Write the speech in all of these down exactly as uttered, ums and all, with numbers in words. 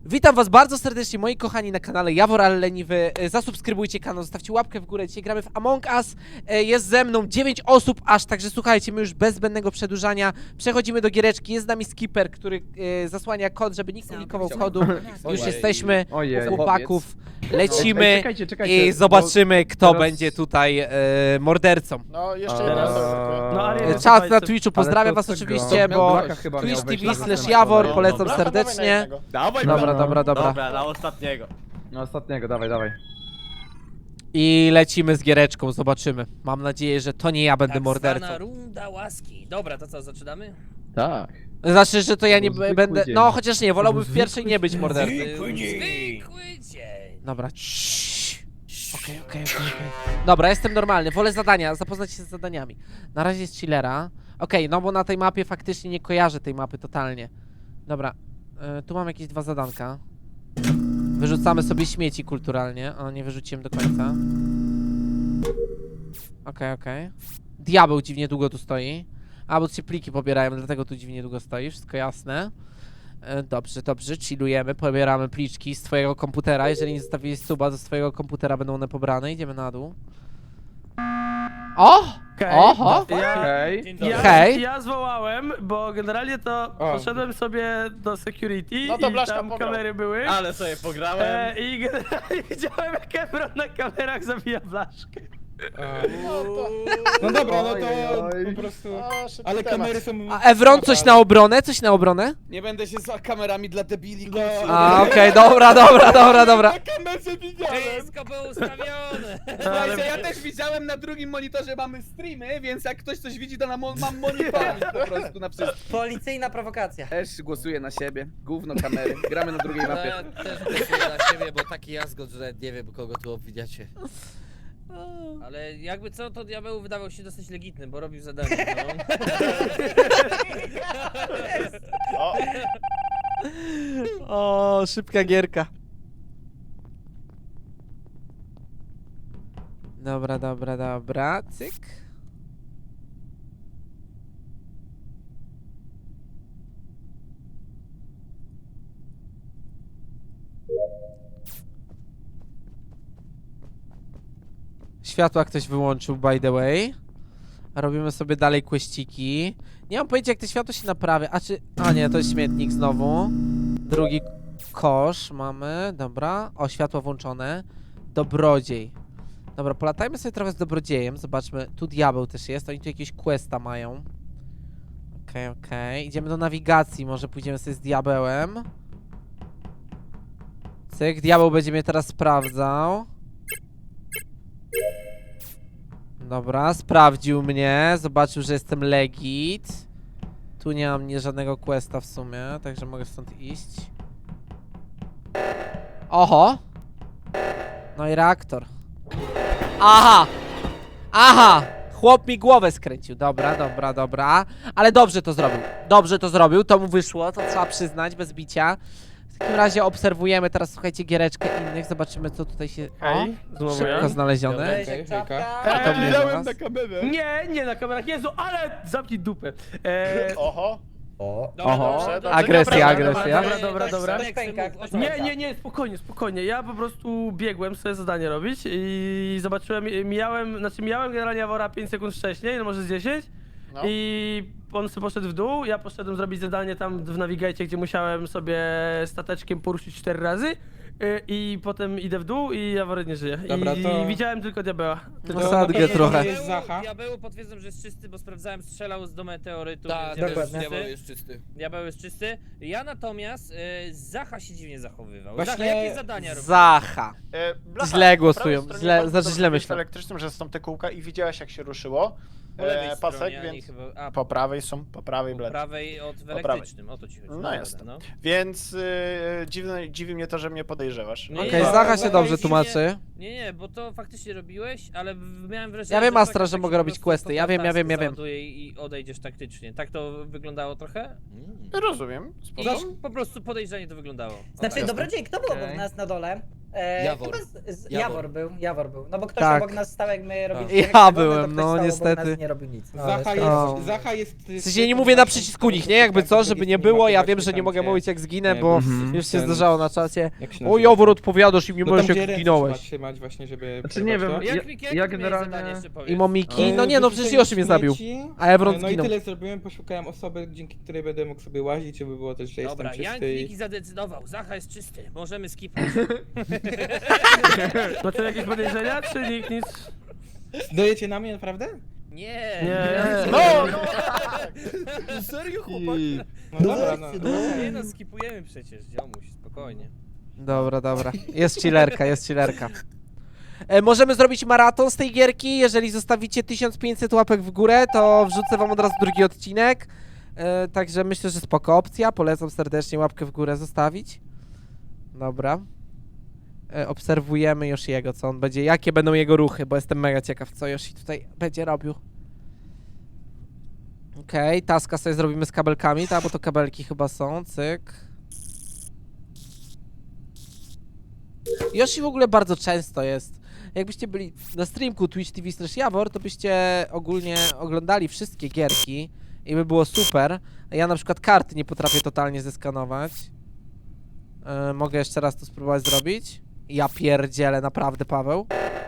Witam was bardzo serdecznie, moi kochani, na kanale Jawor Ale Leniwy. Zasubskrybujcie kanał, zostawcie łapkę w górę. Dzisiaj gramy w Among Us. Jest ze mną dziewięć osób aż, także słuchajcie, my już bez zbędnego przedłużania przechodzimy do giereczki. Jest z nami skipper, który e, zasłania kod, żeby nikt nie likował kodu. Już jesteśmy u chłopaków, lecimy Ej, czekajcie, czekajcie, i zobaczymy, kto teraz- będzie tutaj e, mordercą. No, jeszcze Eee, jedna osoba. no, ale- Czat na Twitchu, pozdrawiam Ale to was tego- oczywiście, to bo Blaka chyba miał Twitch wejść T V na slash ten Jawor, kanał. polecam Dobra, dawaj na serdecznie. jednego. Dawaj, Dobra, No. dobra, dobra. Dobra, na ostatniego. No ostatniego, dawaj, dawaj. I lecimy z giereczką, zobaczymy. Mam nadzieję, że to nie ja będę Tak mordercą. zwana runda łaski. Dobra, to co, zaczynamy? Tak. Znaczy, że to ja nie To był zwykły będę... dzień. No, chociaż nie, wolałbym w Zwykły pierwszej nie być dzień. mordercą. Zwykły dzień. Dobra, ciii. Okej, okej, okej, okej. Dobra, jestem normalny, wolę zadania, zapoznać się z zadaniami. Na razie jest chillera. Okej, no bo na tej mapie faktycznie nie kojarzę tej mapy totalnie. Dobra, y, tu mam jakieś dwa zadanka. Wyrzucamy sobie śmieci kulturalnie. O, nie wyrzuciłem do końca. Okej, okej. Diabeł dziwnie długo tu stoi. A, bo tu się pliki pobierają, dlatego tu dziwnie długo stoi, wszystko jasne. E, Dobrze, dobrze, chillujemy, pobieramy pliczki z twojego komputera. Jeżeli nie zostawiłeś suba, to z twojego komputera będą one pobrane. Idziemy na dół. O! Oho! Ja, Okej. Dzień ja, dobry. Hej. ja zwołałem, bo generalnie to O. poszedłem sobie do security No to i Blaszka tam pograł. kamery były. Ale sobie pograłem. E, I generalnie widziałem, jak Ebron na kamerach zabija Blaszkę. No to... No dobra, no to Oj. po prostu... O, szybki Ale temat. kamery są... A Evron, coś na obronę? Coś na obronę? Nie będę się za kamerami dla debili No. kłócił. A, okej, dobra, dobra, dobra, dobra. Na kamerze widziałem! Wszystko było ustawione. Słuchajcie, ja też widziałem na drugim monitorze mamy streamy, więc jak ktoś coś widzi, to na mo mam monitoring po prostu na wszystko. Policyjna prowokacja. Też głosuję na siebie. Gówno kamery. Gramy na drugiej No, mapie. ja też głosuję na siebie, bo taki jazgot, że nie wiem kogo tu obwidziacie. Ale jakby co, to diabeł wydawał się dosyć legitny, bo robił zadanie. No. O, O, szybka gierka. Dobra, dobra, dobra, cyk. Światła ktoś wyłączył, by the way. A robimy sobie dalej questyki. Nie mam pojęcia, jak to światło się naprawia. A czy... A nie, to jest śmietnik znowu. Drugi kosz mamy, dobra. O, światło włączone. Dobrodziej. Dobra, polatajmy sobie trochę z dobrodziejem. Zobaczmy, tu diabeł też jest. Oni tu jakieś questa mają. Okej, okay, okej. Okay. Idziemy do nawigacji. Może pójdziemy sobie z diabełem. Cyk, diabeł będzie mnie teraz sprawdzał. Dobra, sprawdził mnie. Zobaczył, że jestem legit. Tu nie mam nie żadnego questa w sumie, także mogę stąd iść. Oho! No i reaktor. Aha! Aha! Chłop mi głowę skręcił. Dobra, dobra, dobra. Ale dobrze to zrobił. Dobrze to zrobił, to mu wyszło, to trzeba przyznać, bez bicia. W takim razie obserwujemy teraz, słuchajcie, giereczkę innych. Zobaczymy, co tutaj się... O! Hej, znowu Szybko ja. znalezione. Cześć, jak czapka. A to mnie do Widziałem nas. na kamerę. Nie, nie na kamerach, Jezu, ale zamknij dupę. E, oho. O. Dobra, Oho, dobrze, dobrze, agresja, dobra, agresja. Dobra, dobra, dobra. Aleksy, Pękak, mów, o co Nie, chodzi? nie, nie, spokojnie, spokojnie. Ja po prostu biegłem sobie zadanie robić i zobaczyłem, mijałem, znaczy mijałem generalnie Jawora pięć sekund wcześniej, no może z dziesięć. No. I on sobie poszedł w dół, ja poszedłem zrobić zadanie tam w Navigate, gdzie musiałem sobie stateczkiem poruszyć cztery razy. y, I potem idę w dół i Jawor nie żyje. Dobra, I to- widziałem tylko diabeła. Tylko... No sadgę trochę. Jest Zacha. Diabeł potwierdzam, że jest czysty, bo sprawdzałem, strzelał z do meteorytu. Tak, więc diabeł dokładnie. jest Diabeł czysty. jest czysty. Diabeł jest czysty. Ja natomiast y, Zacha się dziwnie zachowywał. Właśnie- Zacha, jakie zadania robił? Zacha. E, Blacha, Źle po głosują, prawej źle- stronie znaczy bardzo źle dobrze myślę. W elektrycznym, że są te kółka i widziałeś, jak się ruszyło. Po lewej E, pasek, stronie, a nie więc chyba... A, po prawej są, po prawej po bled. prawej od w prawej. elektrycznym, o to ci chodzi. No dobra, jest. No. Więc y, dziwne, dziwi mnie to, że mnie podejrzewasz. Nie, Okej, nie, Zacha się Zacha dobrze jest tłumaczy. Nie, nie, bo to faktycznie robiłeś, ale w- miałem wrażenie, Ja wiem, że Astra, faktycznie że tak mogę się robić po prostu questy. Ja wiem, ja wiem, ja wiem. załaduje I odejdziesz taktycznie. Tak to wyglądało trochę? Rozumiem, spoko. I po prostu podejrzanie to wyglądało. Znaczy, Jasne. dobrodziej, kto był Okej. obok nas na dole? E, Jawor. chyba Z, z, Jawor. Jawor był, Jawor był. No bo ktoś Tak. obok nas stał, jak my Tak. robiliśmy. Ja jak byłem, to ktoś no, stał obok niestety. Nas i nie robił nic. No, Zacha ale O. jest, Zacha jest... W sensie nie mówię na przycisku nich, nie? Jakby co, żeby nie było, ja wiem, że nie mogę mówić jak zginę, bo Mhm. już się Ten- zdarzało na czacie. Jak się O, nazywa? Jowor, odpowiadasz i nie No tam, możesz gdzie jak ręce zginąłeś. trzeba trzymać właśnie, żeby... Znaczy nie przerwać wiem, to. Jak ja- Miki, ja jakie ty miałeś generalnie- zadanie jeszcze powiedz? I Momiki, E, no nie no, wyrzucenie przecież Yoshi mnie zabił. śmieci, A Evron e, No i zginął. tyle zrobiłem, poszukałem osoby, dzięki której będę mógł sobie łazić, żeby było też, że Dobra, jestem Jank czysty i... Miki zadecydował, Zacha jest czysty, możemy skipnąć. Macie jakieś podejrzenia, czy nikt nic? Dojecie na mnie, naprawdę? Nie. Nie. No, no, tak. Serio, chłopak? No dobra, no. Nie no, skipujemy przecież, ziomuś, spokojnie. Dobra, dobra. Jest chillerka, jest chillerka. E, możemy zrobić maraton z tej gierki. Jeżeli zostawicie tysiąc pięćset łapek w górę, to wrzucę wam od razu drugi odcinek. E, także myślę, że spoko opcja. Polecam serdecznie łapkę w górę zostawić. Dobra. E, obserwujemy Yoshiego, co on będzie, jakie będą jego ruchy, bo jestem mega ciekaw, co Yoshi tutaj będzie robił. Okej, okay, taska sobie zrobimy z kabelkami, tak, bo to kabelki chyba są, cyk. Yoshi w ogóle bardzo często jest. Jakbyście byli na streamku Twitch T V slash Jawor, to byście ogólnie oglądali wszystkie gierki i by było super. Ja na przykład karty nie potrafię totalnie zeskanować. Yy, mogę jeszcze raz to spróbować zrobić? Ja pierdzielę, naprawdę, Paweł.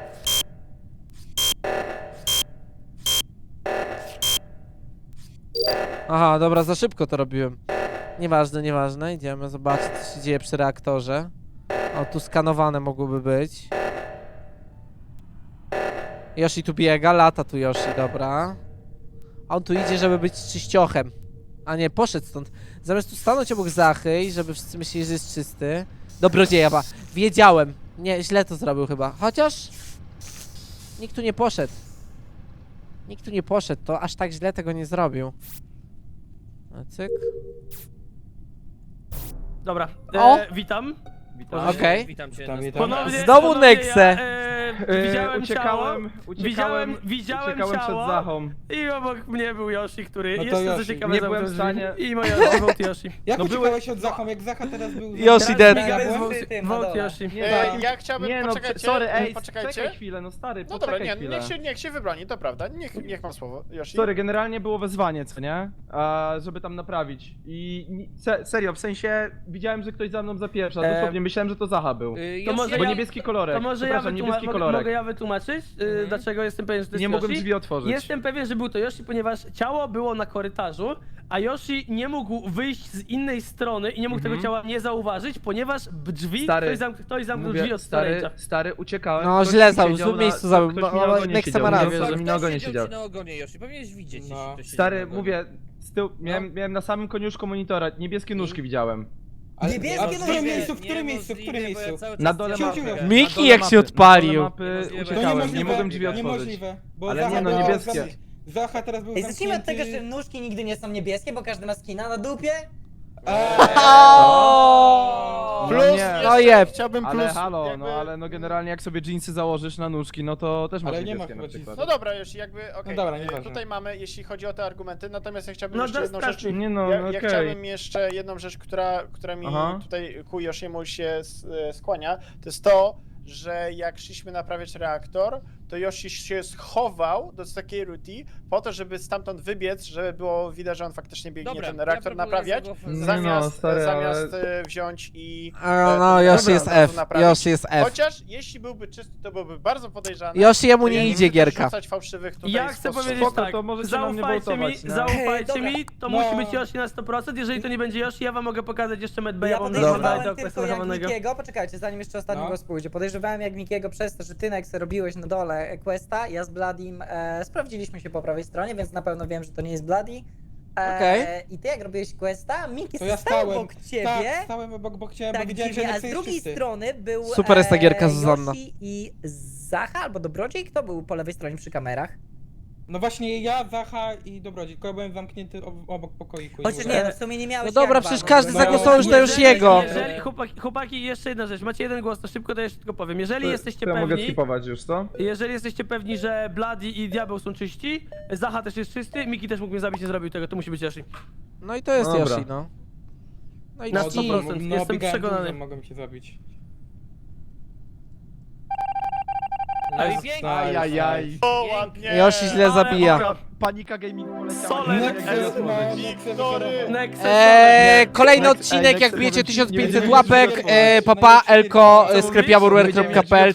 Aha, dobra, za szybko to robiłem. Nieważne, nieważne. Idziemy zobaczyć, co się dzieje przy reaktorze. O, tu skanowane mogłyby być. Yoshi tu biega, lata tu Yoshi, dobra. A on tu idzie, żeby być czyściochem. A nie, poszedł stąd. Zamiast tu stanąć obok Zachy i żeby wszyscy myśleli, że jest czysty. Dobrodzieja, ba. Wiedziałem. Nie, źle to zrobił chyba. Chociaż... Nikt tu nie poszedł. Nikt tu nie poszedł, to aż tak źle tego nie zrobił. A cyk. Dobra, O! e, witam. Witam. Okej. Witam cię. Witam, na witam. spotkaniu. Ponownie, Znowu ponownie Nexe. Ja, e, E, widziałem uciekałem, ciało, uciekałem, widziałem, widziałem uciekałem przed ciało Zachą. i obok mnie był Yoshi, który No to jeszcze co Yoshi. ciekawe Nie zamknął byłem w drzwi. stanie- I moja Yoshi, vote Yoshi. Jak No uciekałeś od Zachą, jak Zacha teraz był... Yoshi Teraz dead. Miga Ja jest byłem vote- przy tym na vote dole. Yoshi. Nie, E, tak. ja chciałbym, Nie no, poczekajcie, sorry, ej, poczekajcie. czekaj chwilę, no stary, No dobra, poczekaj nie, chwilę. niech się, niech się wybroni, to prawda. Niech, niech mam słowo, Yoshi. Sorry, generalnie było wezwanie, co nie? A, żeby tam naprawić. I ni- se, serio, w sensie widziałem, że ktoś za mną zapieprza. E, Dosłownie myślałem, że to Zacha był. Y, To Yoshi, może Bo ja- niebieski kolorek. To może ja, Przepraszam, wytłuma- niebieski mogę, kolorek. mogę ja wytłumaczyć, y, Mhm. dlaczego jestem pewien, że to jest Nie mogłem Yoshi? drzwi otworzyć. Jestem pewien, że był to Yoshi, ponieważ ciało było na korytarzu, a Yoshi nie mógł wyjść z innej strony i nie mógł Mhm. tego ciała nie zauważyć, ponieważ b- drzwi, Stary, ktoś, zamk ktoś zamknął Mówię, drzwi od stary, storage'a. stary, uciekałem. No, ktoś źle mi zabił, w siedział złym na- miejscu zabił, Ktoś bo- mi na bo ogonie Nexa siedział, ma nie rację. wiem, że mi na ogonie Kto siedział. siedział ci na ogonie, Yoshi? Powinieneś widzieć, No. jeśli ktoś siedzi Stary, na ogonie. mówię, z tyłu, miałem, miałem na samym koniuszku monitora, niebieskie nóżki widziałem. Ale, Niebieskie a w nóżki. którym miejscu, w Nie którym miejscu, w możliwe, którym bo ja miejscu? cały Na czas dole Ciu, mapy. ciu. Na Miki, dole jak mapy, się na odpalił. dole mapy Niemożliwe. To uciekałem, niemożliwe, nie mogłem drzwi otworzyć. Niemożliwe, bo Ale Zacha nie no, była niebieskie. zam- Zacha teraz był Ej, zacznijmy od tego, że zamknięty... nóżki nigdy nie są niebieskie, bo każdy ma skina na dupie. O! Plus, No nie. jeszcze No jeb. chciałbym plus... Ale halo, jakby... no ale no generalnie jak sobie jeansy założysz na nóżki, no to też masz Ale nie ma niebieskie na chyba przykład. No dobra, już jakby, okej, dobra, e, nieważne. tutaj mamy, jeśli chodzi o te argumenty, natomiast ja chciałbym No jeszcze to jedną rzecz... strasznie. Nie no, Ja, no ja okej. chciałbym jeszcze jedną rzecz, która, która mi Aha. tutaj ku Yoshiemu się s- e, skłania, to jest to, że jak szliśmy naprawiać reaktor, to Yoshi się schował do takiej ruti po to, żeby stamtąd wybiec, żeby było widać, że on faktycznie biegnie Dobra, ten ja reaktor proponuję naprawiać, zagłosować. Nie no, zamiast, stary, zamiast ale- e, wziąć i... A, e, no, ten Yoshi reaktor jest od razu F. naprawić. Yoshi jest F. Chociaż jeśli byłby czysty, to byłby bardzo podejrzany. Yoshi jemu To ja nie nie idzie chcę gierka. rzucać fałszywych tutaj Ja chcę spostrzeżeń. powiedzieć Spoko, tak, to możecie na mnie zaufajcie mi, wołtować, no. zaufajcie Ej, mi, to No. musi być Yoshi na sto procent, jeżeli to nie będzie Yoshi, ja wam mogę pokazać jeszcze Medbaya, Ja bo mam podejrzewałem do tylko questa jak zachowanego. Mikiego, poczekajcie, zanim jeszcze ostatni No. głos pójdzie. Podejrzewałem jak Mikiego przez to, że ty Nexe robiłeś na dole questa, ja z Bladim e, sprawdziliśmy się po prawej stronie, więc na pewno wiem, że to nie jest Bloody. E, Okej. I ty jak robiłeś questa, Miki To ja stał stałem, obok ciebie. tak, stałem obok, obok ciebie, bo Tak, widziałem, że dziwnie, a Nexe z jest drugiej czysty. strony był Super jest ta gierka, e, Zuzanna. Yoshi i Zacha albo Dobrodziej, kto był po lewej stronie przy kamerach? No właśnie ja, Zacha i Dobrodziej, tylko ja byłem zamknięty ob obok pokoiku. i Chociaż mówię- nie, no w sumie nie miałeś No dobra, jak przecież walnąć, każdy bo- zagłosował już na Jeżeli- Yoshiego. Jeżeli, chłopaki, chłopaki, jeszcze jedna rzecz, macie jeden głos, to szybko to jeszcze tylko powiem. Jeżeli To- jesteście to ja mogę pewni, skipować już, co? jeżeli jesteście pewni, że Bloody i Diabeł są czyści, Zacha też jest czysty, Miki też mógł mnie zabić, nie zrobił tego, to musi być Yoshi. No i to jest Dobra. Yoshi, no. No i Na no, sto procent. No, jestem biegałem przekonany. dużo, mogą cię zabić. No i pięknie. Ajajaj. O, ładnie! Yoshi źle zabija. Dobra, Panika Gaming poleciała. Solek, Nie wiem, jak Nexus to ma, powiedzieć. Nexus Wiktory. Nexus, Eee, kolejny Nex- odcinek, ej, jak Nexus bijecie może ci- tysiąc pięćset nie łapek, będziemy e, mieć papa, najlepszej elko, Co mówisz? sklepiaburwer kropka p l.